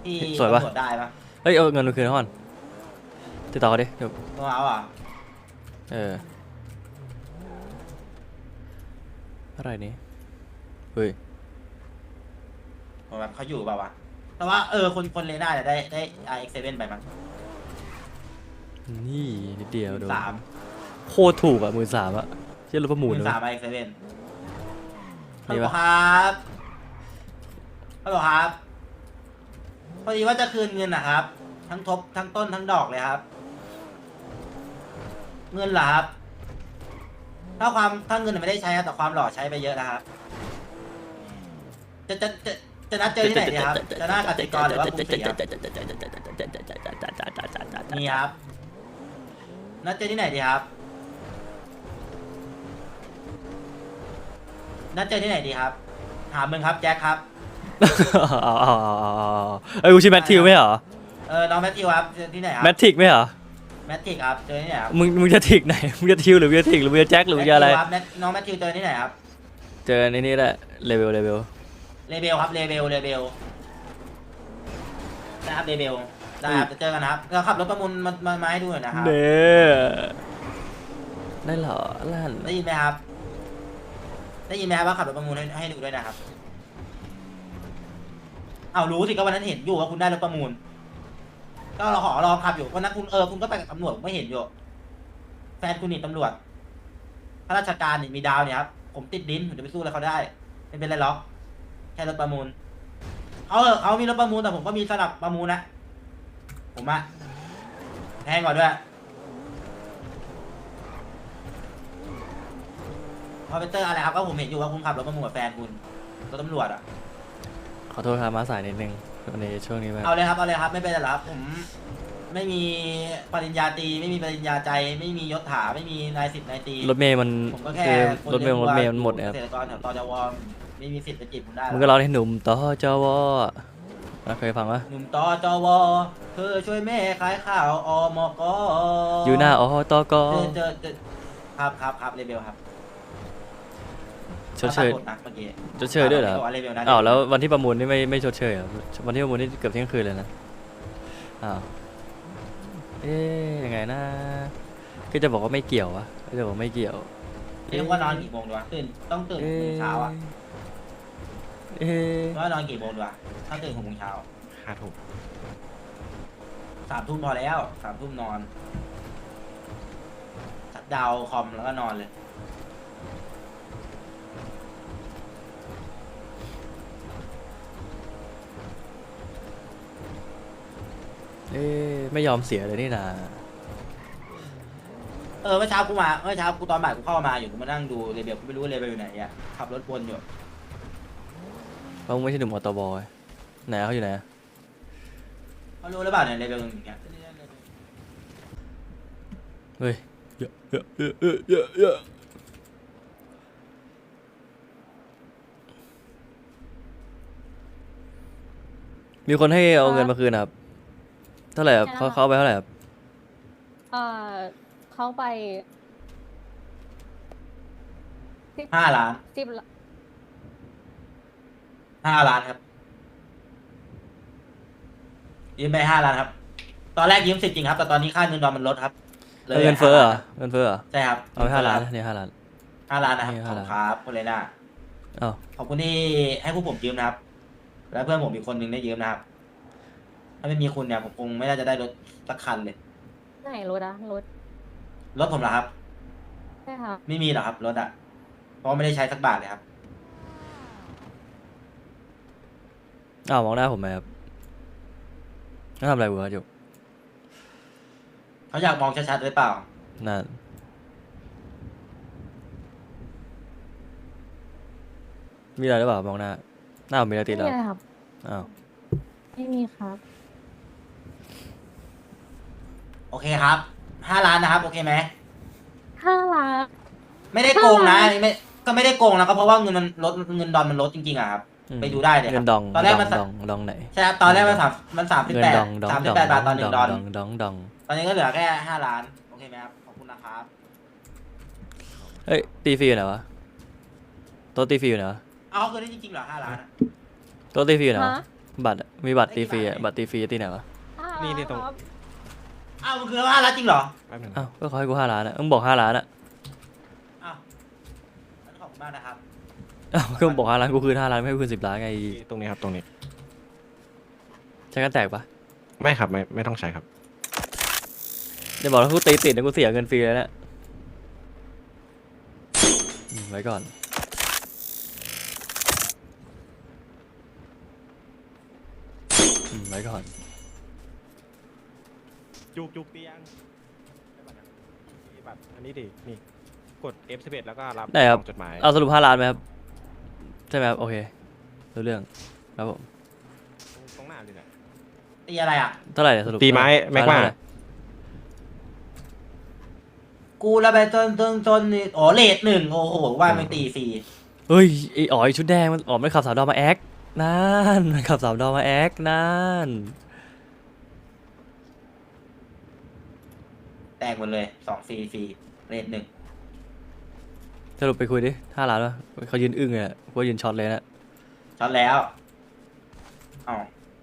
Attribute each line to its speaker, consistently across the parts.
Speaker 1: ที่
Speaker 2: สวยปะ
Speaker 1: ตำรวจได้ปะ
Speaker 2: เฮ้ยเอาเงินมาคืนเขาก่อนติดต่อเขาดิเดี๋ยว
Speaker 1: ต้องเอาอ่ะ
Speaker 2: อะไรนี้เฮ้ย
Speaker 1: ผมแบบเขาอยู่เปล่าวะแต่ว่าคนเลน่าจะได้ RX7 ไปมั้ง
Speaker 2: นี่นิดเดียวโดน
Speaker 1: 13,000
Speaker 2: โคตรถูกอ่ะ13,000อ่ะเชื่อรถประมูลเลย
Speaker 1: 13,000 RX7 ฮัล
Speaker 2: นี่
Speaker 1: โหล
Speaker 2: ปะ
Speaker 1: ครับฮัลโหลครับพอดีว่าจะคืนเงินนะครับทั้งทบทั้งต้นทั้งดอกเลยครับ เงินเหรอครับถ้าเงินไม่ได้ใช้ครับแต่ความหล่อใช้ไปเยอะนะครับจะนัดเจอที่ไหนดีครับจะหน้ากสิกรหรือว่ากรุงศรีครับนี่ครับนัดเจอที่ไหนดีครับนัดเจอที่ไหนดีครับถามมึงครับแจ็คครับ
Speaker 2: เอาเอ้ยกูชื่อแมทธิวไม่เหรอ
Speaker 1: น้องแมทธิวครับเจอที่ไหนครับ
Speaker 2: แมททิกไม่เหรอ
Speaker 1: แมทธิกครับเจอที่ไหนครับ
Speaker 2: มึงจะทิกไหนมึงจะทิวหรือมึงจะทิกหรือมึงจะแจ็คหรือมึงจะอะไร
Speaker 1: ครับน้องแมทธิวเจอที่ไหนครับ
Speaker 2: เจอในนี้แหละเลเวล
Speaker 1: เลเบลครับเลเบลนะครับเลเบลได้ครับจะเจอกันนะครับเราขับรถประมูลมาให้ดูหน่อยนะครับ
Speaker 2: เน่ได้เหรอลั่น
Speaker 1: ได้ยินไหมครับได้ยินไหมครับว่าขับรถประมูลให้ดูด้วยนะครับเอารู้สิก็วันนั้นเห็นอยู่ว่าคุณได้รถประมูลก็เราขอรอขับอยู่วันนั้นคุณก็ไปกับตำรวจผมไม่เห็นอยู่แฟนคุณนี่ตำรวจข้าราชการนี่มีดาวเนี่ยครับผมติดดินผมจะไปสู้อะไรเขาได้ไม่เป็นไรหรอกแค่รถประมูลเขามีรถประมูลแต่ผมก็มีสนับประมูลนะผมอะแพงกว่าด้วยพอเป็นเตอร์อะไรครับก็ผมเห็นอยู่ว่าคุณขับรถประมูลกับแฟนคุณรถตำรวจอะ
Speaker 2: ขอโทษครับมาสายนิดนึงวันนี้ช่วงนี้แบบ
Speaker 1: เอาเลยครับไม่เป็นไรหรอกครับผมไม่มีปริญญาตรีไม่มีปริญญาใจไม่มียศถาไม่มีนายสิบนายตรี
Speaker 2: รถเมย์มัน
Speaker 1: ผมก็แค่
Speaker 2: รถเมย์มันหมดนะครับ
Speaker 1: เกษตรกรแถวตจวไม่มีสิทธิ์ไปจีบผมได้
Speaker 2: มึงก็ร้องให้หนุ่มต่อจวเคยฟังปะ
Speaker 1: หนุ่มตจวเธอช่วยแม่ขายข้าวอมก
Speaker 2: อยู่หน้าอตก
Speaker 1: เจอครับเลเบลครับ
Speaker 2: ชดเชย
Speaker 1: ปรากฏนะเมื่อกี้
Speaker 2: ชดเชยด้วยเหรอ
Speaker 1: เลเบลนะ
Speaker 2: อ้าวแล้ววันที่ประมูลนี่ไม่ชดเชยเหรอวันที่ประมูลนี่เกือบเที่ยงคืนเลยนะอ้าวยังไงนะก็จะบอกว่าไม่เกี่ยววะก็จะบอกไม่เกี่ยว
Speaker 1: เรียกว่านอนกี่โมงดีวะต้องตื่น6 โมงเช้าอ่ะว่านอนกี่โมงดีวะถ้าตื่น6 โมงเช้า
Speaker 2: 5 ทุ่ม
Speaker 1: 3 ทุ่มพอแล้ว3 ทุ่มนอนชัดดาวน์คอมแล้วก็นอนเลย
Speaker 2: ไม่ยอมเสียเลยนี่นา
Speaker 1: เมื่อเช้ากูตอนบ่ายกูเข้ามาอยู่กูมานั่งดูเรเบลกูไม่รู้ว่าเรเบลอยู่ไหนอ่ะขับรถวนอยู่
Speaker 2: เพราะมึงไม่ใช่หนุ่มอตบไหนเขาอยู่ไหน
Speaker 1: เขารู้หรือเปล่าเนี่ยเรเบลอย่างเงี้ย
Speaker 2: เฮ้ยเยอะมีคนให้เอาเงินมาคืนครับเท่าไหร่ครับเขาไปเท่าไหร่ครับ
Speaker 3: เขาไป
Speaker 1: 5 ล้าน
Speaker 3: 10
Speaker 1: 5 ล้านครับยืมไป5 ล้านครับ ตอนแรกยืม10 จริงครับแต่ตอนนี้ค่าเงินดอลมันลดครับ
Speaker 2: เงินเฟ้อเหรอเงินเฟ้อเหรอ
Speaker 1: ใช่ครับ
Speaker 2: เอาไป5 ล้านเนี่ย5 ล้าน
Speaker 1: 5 ล้านนะครับ
Speaker 2: นี่
Speaker 1: ขอบ
Speaker 2: 5
Speaker 1: คุ
Speaker 2: ล้าน
Speaker 1: ณครับคุณเลน่า
Speaker 2: อ้าว
Speaker 1: ขอบคุณที่ให้พวกผมยืมนะครับ และเพื่อนผมอีกคนนึงได้ยืมนะครับถ้าไม่มีคุณเนี่ยผมคงไม่น่าจะได้รถสักคันเลย
Speaker 3: ไหนรถอะรถ
Speaker 1: รถผมเหรอครับ
Speaker 3: ใช่ค่ะ
Speaker 1: ไม่มีหรอกครับรถอ่ะเพราะไม่ได้ใช้สักบาทเลยครับ
Speaker 2: อ้าวมองหน้าผมไหมครับแล้วทำอะไรวะจุก
Speaker 1: เขาอยากมองชัดๆหรือเปล่า
Speaker 2: นั่นมีอะไรหรือเปล่ามองหน้าผมมีอะไรติ
Speaker 3: ไม่
Speaker 2: ดแล้ว
Speaker 3: มีอะไรครับ
Speaker 2: อ้าว
Speaker 3: ไม่มีครับ
Speaker 1: โอเคครับ5 ล้านนะครับ โอเคไหม
Speaker 3: 5 ล้าน
Speaker 1: ไม่ได้โกงนะก็ไม่ได้โกงนะก็เพราะว่าเงินมันลดเงินดอลมันลดจริงๆอะครับ ไปดูได้เลยค
Speaker 2: เงิ
Speaker 1: รับ
Speaker 2: นดอง
Speaker 1: ตอนแรกมัน
Speaker 2: ดองไหน
Speaker 1: ใช่ครับตอนแรกมัน
Speaker 2: เงินดอง
Speaker 1: 38 บาทต่อ1 ดอล
Speaker 2: ดอง
Speaker 1: ตอนนี้ก็เหลือแค่5 ล้านโอเคไหมครับขอบคุณนะครับ
Speaker 2: เฮ้ยตีฟรีอยู่ไหนวะโต๊ะตีฟรีอยู่ไหนวะ
Speaker 1: เอาเขาเคยได้จริงๆเหรอ5 ล้านอะ
Speaker 2: โต๊ะตีฟรีอยู่ไหนวะ
Speaker 3: ฮะ
Speaker 2: บัตรอะมีบัตรตีฟรีอะบัตรตีฟรีตีไหนวะ
Speaker 4: นี่ตรง
Speaker 3: ครับ
Speaker 1: อ้าวมันคือ5 ล้านจริงเหรอ
Speaker 4: แป๊บหนึง
Speaker 2: อ้าวก็เขาให้กู5 ล้านอะมึงบอก5 ล้านอะ
Speaker 1: อ้าวงั้นขอบคุณมากนะครับ
Speaker 2: อ้าวก็มึงบอก5 ล้านกูคืน5 ล้านไม่ให้กูคืน10 ล้านไง
Speaker 4: ตรงนี้ครับตรงนี้
Speaker 2: ใช้กันแตกปะ
Speaker 4: ไม่ครับไม่ต้องใช้ครับ
Speaker 2: อย่าบอกว่ากูตีติดนะกูเสียเงินฟรีเลยนะไว้ก่อนไว้ก่อน
Speaker 4: จุกเตียงมีบัตรอันนี้ดินี่กด F11 แล้วก็รับ
Speaker 2: ได้ครับ
Speaker 4: กล่องจดหมาย
Speaker 2: เอาสรุป5 ล้านไหมครับใช่ไหมครับโอเครู้เรื่องครับผม
Speaker 4: ตรงหน้าเลยนะ
Speaker 1: ตีอะไรอ่ะ
Speaker 2: เท่าไหร่เนี่ยสรุป
Speaker 4: ตีไม้แม็กมา
Speaker 2: เท่ไหร่
Speaker 1: กูระไปจนนี่อ๋อเลท1โอ้โหว่ามันตีฟรี
Speaker 2: เฮ้ยไอ้อ๋อไอ้ชุดแดงมันอ๋อมันขับสามดาวมาแอคนั่นมันขับสามดาวมาแอคนั่น
Speaker 1: แตกหมดเลย2ฟรีเลท1
Speaker 2: สรุปไปคุยดิ5 ล้านวะเขายืนอึ้งเลยอะกูว่ายืนช็อตเลยนะ
Speaker 1: ช็อตแล้วอ๋อ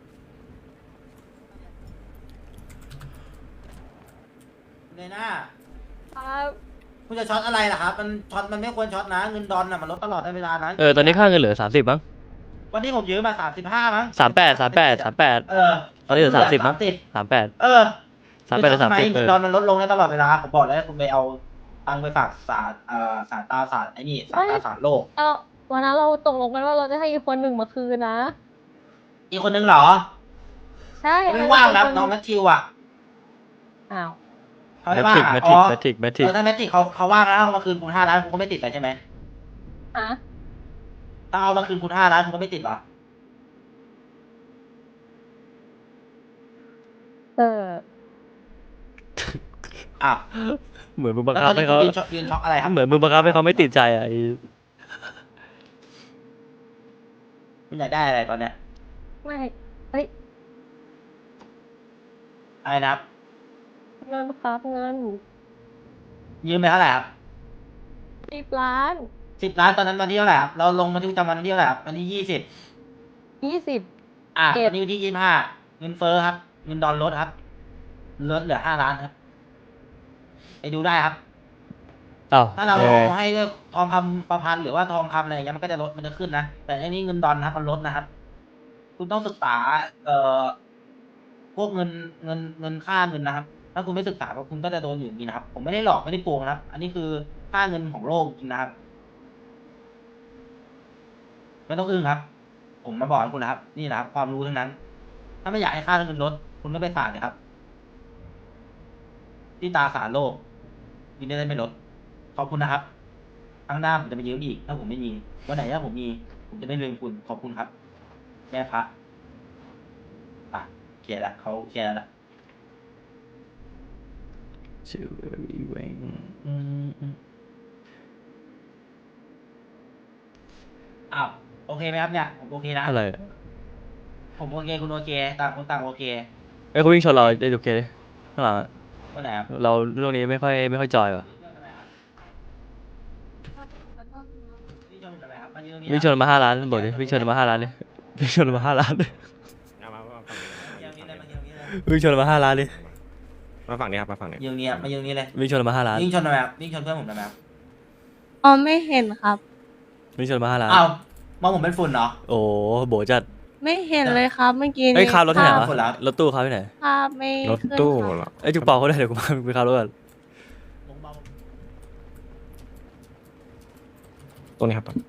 Speaker 1: เลยนะครับ คุณจะช็อตอะไรล่ะครับ มันช็อตมันไม่ควรช็อตนะ เงินดอลน่ะมันลดตลอดเวลานะ
Speaker 2: ตอนนี้ค่าเงินเหลือ30มั้ง
Speaker 1: วันนี้ผมยืมมา35มั้ง
Speaker 2: 38
Speaker 1: เออ
Speaker 2: ตอนนี้เหลือ30มั้ง 38
Speaker 1: เออ
Speaker 2: 38หรือ
Speaker 1: ทำไม
Speaker 2: 30
Speaker 1: เงินดอลมันลดลงได้ตลอดเวลาผมบอกแล้วคุณไปเอาตังค์ไปฝากศาลตาศาสตร์ไอ้นี่ศาลตาศาสตร์โลก
Speaker 3: วันนั้นเราตกลงกันว่าเราจะให้อีกคนหนึ่งมาคืนนะ
Speaker 1: อีกคนนึงเหรอ
Speaker 3: ใช่
Speaker 1: ไม่ว่างครับน้องแมทธิวอ่ะ
Speaker 3: อ้าว
Speaker 1: เขาไม่ว่างอะ
Speaker 2: แมท
Speaker 1: อ๋
Speaker 2: ริก
Speaker 1: อ
Speaker 2: แมทริก
Speaker 1: ถ้าแมทธิกเขาว่างแล้วเอามาคืนคุณ5 ล้านคุณก็ไม่ติดเลยใช่ไหม
Speaker 3: อะ
Speaker 1: ถ้าเอามาคืนคุณ5 ล้านคุณก็ไม่ติดเหรอ
Speaker 3: เออ
Speaker 1: อ้าว
Speaker 2: เหมือนมึงบัง
Speaker 1: แล้ว
Speaker 2: คับ
Speaker 1: ตอน
Speaker 2: ให้
Speaker 1: นี้
Speaker 2: เขา
Speaker 1: ยืนช็อกอะไรครับ
Speaker 2: เหมือนมึงบังคับให้เขาไม่ติดใจอ่ะไอ้
Speaker 1: คุณอยากได้อะไรตอนเนี้ย
Speaker 3: ไม่เฮ้ย
Speaker 1: อะไรนะครับ
Speaker 3: เงินครับเงิน
Speaker 1: ยืมไปเท่าไหร่ครับ
Speaker 3: 10 ล้าน
Speaker 1: 10 ล้านตอนนั้นวันที่เท่าไหร่ครับเราลงบันทึกประจำวันที่เท่าไหร่ครับวันที่20
Speaker 3: 20
Speaker 1: อ่ะ
Speaker 3: เก็บ
Speaker 1: วันนี้วันที่25เงินเฟ้อครับ เงินดอลลดครับลดเหลือ5 ล้านครับไปดูได้ครับ
Speaker 2: อ้าว
Speaker 1: ถ้าเรา
Speaker 2: เออ
Speaker 1: ให้เลือกทองคำประพันธ์หรือว่าทองคำอะไรอย่างเงี้ยมันก็จะลดมันจะขึ้นนะแต่อันนี้เงินดอลนะครับมันลดนะครับ คุณต้องศึกษาพวกเงินค่าเงินนะครับ ถ้าคุณไม่ศึกษาก็คุณก็จะโดนอยู่อย่างนี้นะครับ ผมไม่ได้หลอกไม่ได้โกงนะครับ อันนี้คือค่าเงินของโลกจริงนะครับไม่ต้องอึ้งครับ ผมมาบอกให้คุณนะครับ นี่นะครับ ความรู้ทั้งนั้น ถ้าไม่อยากให้ค่าเงินลดคุณก็ไปฝากเลยครับ ที่ตราสารโลกยินดีได้ไม่ลดขอบคุณนะครับครั้งหน้าผมจะไปยืมอีก ถ้าผมไม่มีวันไหนถ้าผมมี ผมจะไม่ลืมคุณขอบคุณครับแม่พระอ่ะเคลียร์ละเขาเคลียร์แล้วละ
Speaker 2: ชื่อเวง
Speaker 1: อ้าวโอเคไหมครับเนี่ยผมโอเคนะ
Speaker 2: อะไรอะ
Speaker 1: ผมโอเคคุณโอเคต่างคนต่างโอเค
Speaker 2: เอ้ยเขาวิ่งชนเราได้ดูเคดิข้างหลังอะ
Speaker 1: วันไหนครับ
Speaker 2: เราเรื่องนี้ไม่ค่อยจอยว่ะ
Speaker 1: วิ่งชนอะไรครับมายืนตรงนี้
Speaker 2: วิ่งชนมา5 ล้านบอกดิวิ่งชนมา5 ล้านดิวิ่งชนมา5 ล้านดิ
Speaker 4: เอามาฝั่งนี้
Speaker 1: มายืนตรงนี้เลยมายืนตรงนี้เลย
Speaker 2: วิ่งชนมา5 ล้านดิ
Speaker 4: มาฝั่งนี้ครับมาฝั่งนี้
Speaker 1: ยืนตรงนี้มายืนตรงนี้เลย
Speaker 2: วิ่งชนมา5 ล้าน
Speaker 1: วิ่งชนทำไมครับวิ่งชนเพื่อนผมทำไมครับ
Speaker 3: อ๋อไม่เห็นครับ
Speaker 2: วิ่งชนมา5 ล้าน
Speaker 1: อ้าวมองผมเป็นฝุ่นเหรอ
Speaker 2: โอ้โบจัด
Speaker 3: ไม่เห็นเลยครับเมื่อกี้
Speaker 2: เอ้ยคาร์รถที่ไหน
Speaker 1: ค
Speaker 2: วะ
Speaker 1: คนละ
Speaker 2: รถตู้เขาที่ไหน
Speaker 3: ภาพไม่
Speaker 4: รถ
Speaker 3: ขึ้น
Speaker 4: ตู้
Speaker 3: ครับ
Speaker 4: เหรอ
Speaker 2: ไอ้ยจุกเป่าเขาได้เดี๋ยวกูมาไปคาร์รถก่อน
Speaker 1: ลงเบา
Speaker 4: ตรงนี้ครับตรง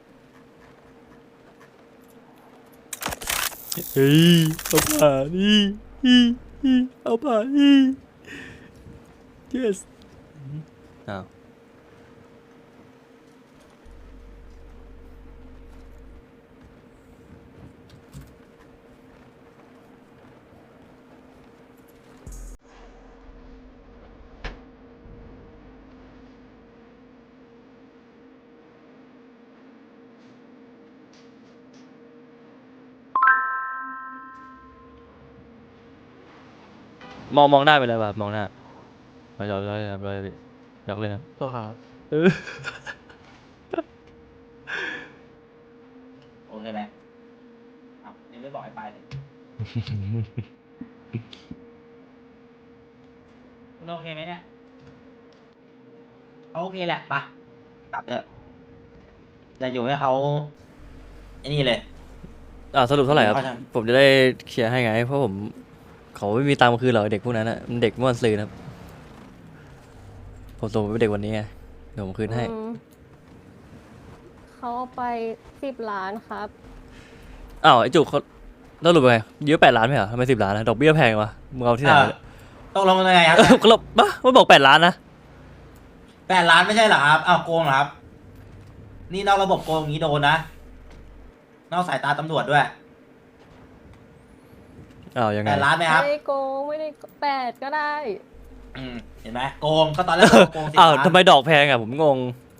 Speaker 2: เฮ้ยเอาผ่านนี่เอาผ่านนี่ yes อ้าวมองหน้าไปเลยแบบมองหน้าไปยอมเลยครับเลยอยากเล่นครับ
Speaker 4: ตัวครับ
Speaker 2: เออ
Speaker 1: โอเคไหมอ้าวยังไม่บอกให้ไปเลยคุณโอเคไหมเนี่ยเขาโอเคแหละปะกลับเถอะจะอยู่ให้เขาไอ้นี่เลย
Speaker 2: สรุปเท่าไหร่ครับ
Speaker 1: เขาจะ
Speaker 2: ผมจะได้เคลียร์ให้ไง เพราะผมเขาไม่มีตังค์มาคืนหรอกเด็กพวกนั้นอะมันเด็กเมื่อวันซืนครับผมส่งไปเป็นเด็กวันนี้ไงเดี๋ยวผมคืนให้
Speaker 3: เขาเอาไป10 ล้านครับ
Speaker 2: อ้าวไอ้จุกเขาแล้วสรุปไงเยอะ8 ล้านไหมเหรอทำไม10 ล้านนะดอกเบี้ยแพงวะมึงเอาที่ไหนมาเนี่ย
Speaker 1: ตกลงยังไงครับ
Speaker 2: เขาบอกบ้ามันบอก8 ล้านนะ
Speaker 1: 8 ล้านไม่ใช่เหรอครับอ้าวโกงเหรอครับ นี่นอกระบบโกงอย่างนี้โดนนะ นอกสายตาตำรวจด้วย
Speaker 2: อ้าวยังไง
Speaker 1: 8 ล้านไหมครับ
Speaker 3: ไม่ได้โกงไม่ได้8ก็ได้
Speaker 1: เห็นไหมโกงก็ตอนแรกโกง10
Speaker 2: อ้าว
Speaker 1: ล้าน
Speaker 2: ทำไมดอกแพงอ่ะผมงง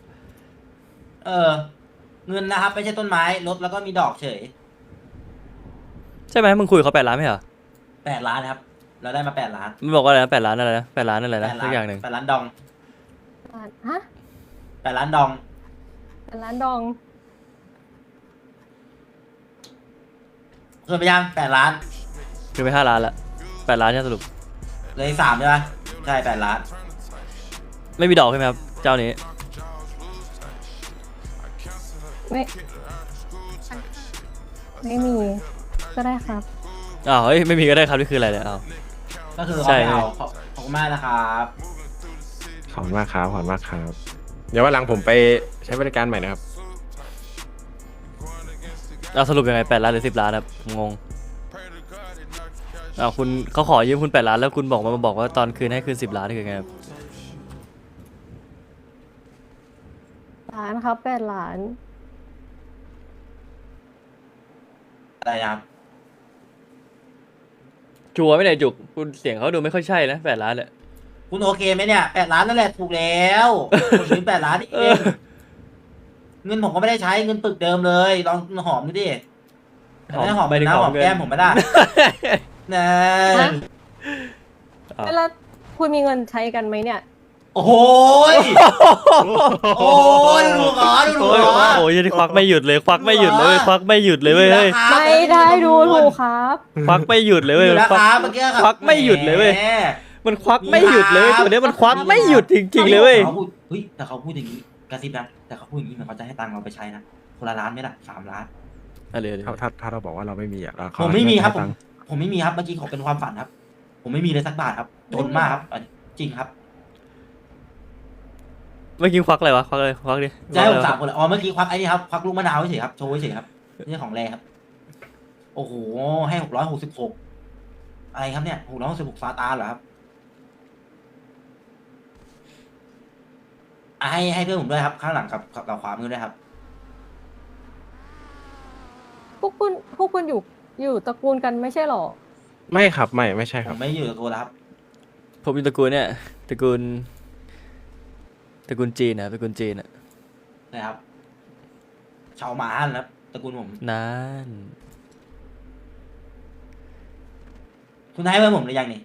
Speaker 1: เงินนะครับไม่ใช่ต้นไม้ลดแล้วก็มีดอกเฉย
Speaker 2: ใช่ไหมมึงคุยกับเขา8 ล้านไหมเหรอ
Speaker 1: 8 ล้านครับ เราได้มา8 ล้าน
Speaker 2: มันบอกว่าอะไรนะ8 ล้านอะไรนะ8 ล้านอะไรนะ
Speaker 1: 8
Speaker 2: สักอย่างหนึ่ง
Speaker 1: 8 ล้านดอง
Speaker 3: ฮะ
Speaker 1: 8 ล้านดอง
Speaker 3: 8 ล้านดอง
Speaker 1: เพิ่มไปยัง8 ล้าน
Speaker 2: คือไป5 ล้านละ8 ล้านใช่สรุป
Speaker 1: เหลย3ใช่ไหมใช่8 ล้าน
Speaker 2: ไม่มีดอกใช่ไหมครับเจ้านี้
Speaker 3: ไม่มีก็ได้ครับ
Speaker 2: อ้าวเฮ้ยไม่มีก็ได้ครับนี่คืออะไรเนี่ยอ้าว
Speaker 1: ก็คือ
Speaker 2: ใช่
Speaker 1: เขาไม่เอาขอบคุณมากนะครับ
Speaker 4: ขอบคุณมากครับขอบคุณมากครับ เดี๋ยววันหลังผมไปใช้บริการใหม่นะครับ
Speaker 2: สรุปยังไง8 ล้านหรือ10 ล้านครับผมงงอ้าวคุณเขาขอยืมคุณ8 ล้านแล้วคุณมาบอกว่าตอนคืนให้คืน10 ล้านนี่คือไงครับ
Speaker 3: ล้านครับ8 ล้าน
Speaker 1: อะไรนะครับ
Speaker 2: ชัวร์ไหมเนี่ยจุกคุณเสียงเขาดูไม่ค่อยใช่นะ8 ล้านเนี่ย
Speaker 1: คุณโอเคไหมเนี่ย8 ล้านนั่นแหละถูกแล้วผมยืม8 ล้านเอ
Speaker 2: เออ
Speaker 1: งเงินผมก็ไม่ได้ใช้เงินปึกเดิมเลยลองหอมดูดิแต่ไม่หอม
Speaker 2: ไม่ได้
Speaker 1: นะหอม
Speaker 2: เงิน
Speaker 1: แก้มผมไม่ได้นะ
Speaker 3: ฮะ
Speaker 2: อ้าว
Speaker 3: แล้วคุณมีเงินใช้กันไหมเนี่ย
Speaker 1: โอ้โหยโอ้ยดูหรอดู
Speaker 2: โอ้ย
Speaker 1: หรอ
Speaker 2: โอ้ยนี่ควักไม่หยุดเลยควักไม่หยุดเลยเว้ยควักไม่หยุดเลยเว้ยเฮ้ย
Speaker 3: ไม่ได้ดูถูกครับ
Speaker 2: ควักไม่หยุดเลยเว้ย
Speaker 1: อยู่นะ
Speaker 2: ควัก
Speaker 1: ครับเมื่อกี้ครับ
Speaker 2: ควักไม่หยุดเลยเว้ย
Speaker 1: แหม
Speaker 2: มันควักไม่หยุดเลยเว้ยตัวเนี้ยมันควักไม่หยุดจริงๆเลยเว้ย
Speaker 1: ขาพูดเฮ้ยแต่เขาพูดอย่างนี้กระซิบนะแต่เขาพูดอย่างนี้เหมือนเขาจะให้ตังค์เราไปใช้นะคนละล้านไหมล่ะ3 ล้าน
Speaker 2: อะไร
Speaker 4: ถ้าเราบอกว่าเราไม่มีอ่ะเรา
Speaker 1: ผมไม่มีครับ
Speaker 4: ให้ตัง
Speaker 1: ผมไม่มีครับเมื่อกี้ขอเป็นความฝันครับ ผมไม่มีเลยสักบาทครับจนมากครับอันนี้จริงครับ
Speaker 2: เมื่อกี้ควักอะไรวะควักอะไรควักดิ
Speaker 1: จะให้ผม
Speaker 2: ควักอะไรวะ
Speaker 1: 3 คนเลยอ๋อเมื่อกี้ควักไอ้นี่ครับควักลูกมะนาวเฉยๆครับโชว์เฉยๆครับนี่ของแรครับ โอ้โหให้666อะไรครับเนี่ย666ซาตานเหรอครับให้เพื่อนผมด้วยครับ ข้างหลังกับขวามือด้วยครับ
Speaker 3: พวกคุณอยู่ตระกูลกันไม่ใช่หรอ
Speaker 4: ไม่ครับไม่ใช่ค
Speaker 1: ผ
Speaker 4: รับ
Speaker 1: มไม่อยู่กับตัวแล้วครับ
Speaker 2: ผมอยู่ตระกูลเนี่ยตระกูลจีนนะตระกูลจีนอะ
Speaker 1: นะครับชาวหมาฮั่นครับตระกูลผม
Speaker 2: นั่น
Speaker 1: คุณให้เพื่อนผมหรือยังนี่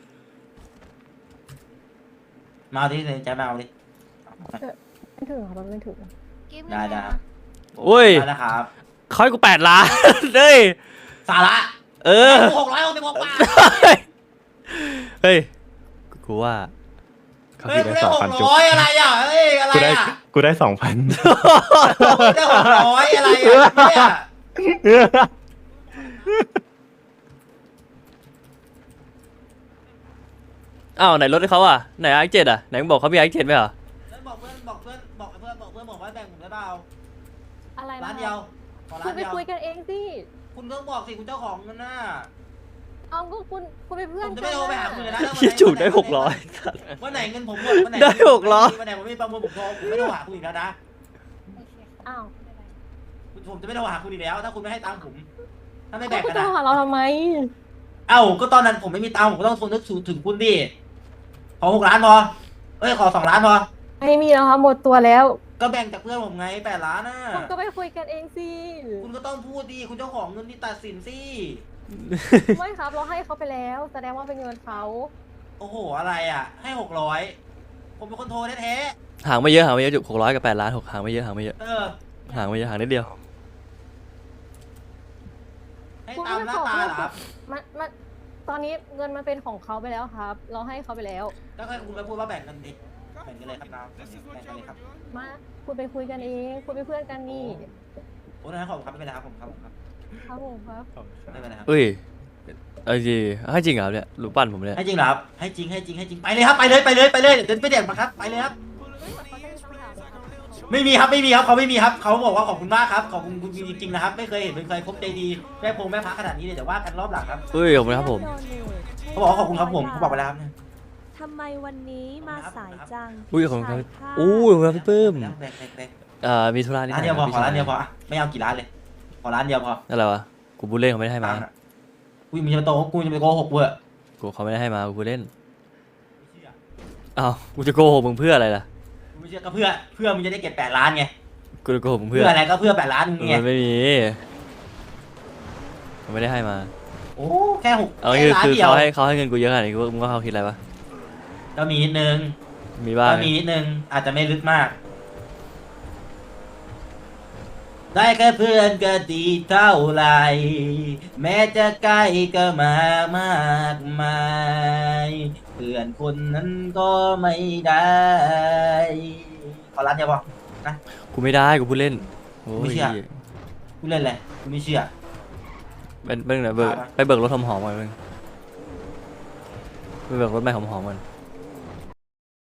Speaker 1: มาเอาดิใจมาเอาดิ
Speaker 3: ไม่ถึงครับมันไม่ถึง
Speaker 1: ได้ครับ
Speaker 2: โอ้ย
Speaker 1: ได้นะครับ
Speaker 2: เขาให้กู8 ล้านเฮ้ย
Speaker 1: สาระ
Speaker 2: เออ
Speaker 1: 666 บาท
Speaker 2: เฮ้ยกูว่าเขา
Speaker 1: เฮ้ย
Speaker 2: คิด
Speaker 1: กู
Speaker 2: ได้
Speaker 1: ได้ 600อะไรอ่ะเฮ้ยอะไร
Speaker 4: กูได้
Speaker 1: อ่ะ
Speaker 4: กูได้2,000
Speaker 1: กูได้600อะไรอ่ะเนี่ย
Speaker 2: อ้าวไหนรถให้เขาอ่ะไหนไอเจ็ดอ่ะไหนมึงบอกเขามีไอเจ็ดไหมเหรอ
Speaker 1: บอกเพื่อนบอกว่าแบ่งผมได้เปล่า
Speaker 3: อะไร
Speaker 1: ร้า
Speaker 3: นะ
Speaker 1: นเดียวขอ
Speaker 3: คุ
Speaker 1: ร้า
Speaker 3: ณ
Speaker 1: น
Speaker 3: ไป
Speaker 1: เดียว
Speaker 3: คุยกันเองสิ
Speaker 1: คุณต้องบอกสิคุณเจ้าของเงินน่ะ
Speaker 3: เอาก็คุณเป็นเพื่
Speaker 1: ผ
Speaker 3: อน
Speaker 1: มจะ
Speaker 3: กั
Speaker 1: ไม่
Speaker 3: น
Speaker 1: โทรไปหาคุณเลยนะ
Speaker 2: คิดจุกได้600
Speaker 1: วันไหนเงินผมหมดวันไหน
Speaker 2: ได้600
Speaker 1: วันไหนผมไม่ประมูลผมโทรผมไม่โทรหาคุณอีกแล้วนะ
Speaker 3: อ้าว
Speaker 1: ผมจะไม่โทรหาคุณอีกแล้ว ถ้าคุณไม่ให้ตังค์ผม ถ้าไม่
Speaker 3: คุ
Speaker 1: แบ่ง
Speaker 3: ณ
Speaker 1: กัน
Speaker 3: จะ
Speaker 1: นะ
Speaker 3: หาเราทำไม
Speaker 1: เอ้าก็ตอนนั้นผมไม่มีตังค์ผมก็ต้องทนนึกถึงคุณดิขอ6 ล้านพอเอ้ยขอ2 ล้านพอ
Speaker 3: ไม่มีแล้วครับหมดตัวแล้ว
Speaker 1: ก็แบ่งจากเพื่อนผมไง8 ล้านน่ะ
Speaker 3: คุณก็ไปคุยกันเองสิ
Speaker 1: คุณก็ต้องพูดดิคุณเจ้าของเงินที่ตัดสินสิ
Speaker 3: ไม่ครับเราให้เขาไปแล้ว แสดงว่าเป็นเงินเขา
Speaker 1: โอ้โหอะไรอ่ะ ให้600ผมเป็นคนโทรแท้
Speaker 2: ห่างไม่เยอะจุก600กับ8 ล้านห่างไม่เยอะ
Speaker 1: ๆเออ
Speaker 2: ห่างไม่เยอะห่างนิดเดียว
Speaker 1: ให้
Speaker 3: คุณ
Speaker 1: ตาม
Speaker 3: ไม่
Speaker 1: หน้า
Speaker 3: ขอ
Speaker 1: ตา
Speaker 3: เพิ่ม
Speaker 1: เหรอครับ
Speaker 3: มันตอนนี้เงินมันเป็นของเขาไปแล้วครับ เราให้เขาไปแล้ว
Speaker 1: ก็แค่คุณไปพูดว่าแบ่งกันดิแบ่งกันเลยครับน้องแบ่งกันเลยครับ
Speaker 3: มาคุณไปคุยกันเองคุณเป็นเพื่อนกันนี่
Speaker 1: โอ้นะขอบคุณครับไม่เป็นไรครับผมครับผมครับ
Speaker 3: ครับผมครับ
Speaker 1: ไม่เป็นไรครับ
Speaker 2: เอ้ยเอาจริงให้จริงเหรอเนี่ยหรือปั้นผมเนี่ย
Speaker 1: ให้จริงเหรอครับให้จริงให้จริงให้จริงไปเลยครับไปเลยไปเลยไปเลยเดินไปเด็กมาครับไปเลยครับ
Speaker 3: เขาจะมีคำถามนะครับ
Speaker 1: ไม่มีครับไม่มีครับเขาไม่มีครับเขาบอกว่าขอบคุณมากครับขอบคุณคุณจริงๆนะครับไม่เคยเห็นเป็นใครคบใจดีแม่พงแม่พระขนาดนี้เลยเดี๋ยวว่ากันรอบหลังครับ
Speaker 2: เอ้ยขอบคุณครับผม
Speaker 1: เขาบอกว่าขอบคุณครับผมเขาบอกไปแล้วครับเนี่ย
Speaker 5: ทำไมวันนี้มาสายจัง
Speaker 2: อุ้ยขอบคุณครับ
Speaker 5: ชายผ้า
Speaker 2: อู้ขอบคุณครับพี่ปื้ม
Speaker 1: แบ่งแบ่งแบ่ง
Speaker 2: มีธุระนิดห
Speaker 1: ร้าน
Speaker 2: น่อย
Speaker 1: เดียวพอ
Speaker 2: พี่
Speaker 1: ขอร้าน
Speaker 2: ช
Speaker 1: เดียวพออะไม่เอากี่ร้านเลยขอร้านเดียวพอ
Speaker 2: นั่นแหละวะกูพูดเล่นเขาไม่ได้ให้มา
Speaker 1: ตังค์อะอุ้ยมึงจะมาโตกูจะไปโกหกเว้ย
Speaker 2: กูเขาไม่ได้ให้มากูพูดเล่น
Speaker 1: ไม่เชื่อ
Speaker 2: อ้าวกูจะโกหกมึงเพื่ออะไรล่ะ
Speaker 1: กูไม่เชื่อก็เพื่อมึงจะได้เก็บ8 ล้านไง
Speaker 2: กูจะโกหกมึง
Speaker 1: เพื่
Speaker 2: เพื่
Speaker 1: อ
Speaker 2: อ
Speaker 1: อะไรก็เพื่อ8 ล้านมึงไง
Speaker 2: มันไม่มีมันไม่ได้ให้มา
Speaker 1: โอ้แค่6
Speaker 2: เอา
Speaker 1: แค่
Speaker 2: คือ
Speaker 1: ล้าน
Speaker 2: คือ
Speaker 1: เดียว
Speaker 2: เขาให้เงินกูเยอะขนาดนี้มึงว่าเขาคิดอะไรปะ
Speaker 1: ก็มีนิดนึง
Speaker 2: มีบ้าง
Speaker 1: ก็มีนิดนึงอาจจะไม่ลึกมาก ได้แค่เพื่อนก็ดีเท่าไหรแม้จะใกล้ก็มามากมายเพื่อนคนนั้นก็ไม่ได้ขอร้านเดียวพอ
Speaker 2: กูไม่ได้กูพูดเล่นโอ้
Speaker 1: ไม่
Speaker 2: ย
Speaker 1: เชื่อ กูเล่นเลยกูไม่เชื่อ
Speaker 2: เป็นไหนเบิก
Speaker 1: มา
Speaker 2: ไปเบิกรถหอมๆก่อนมึงไปเบิกรถใหม่หอมๆก่อน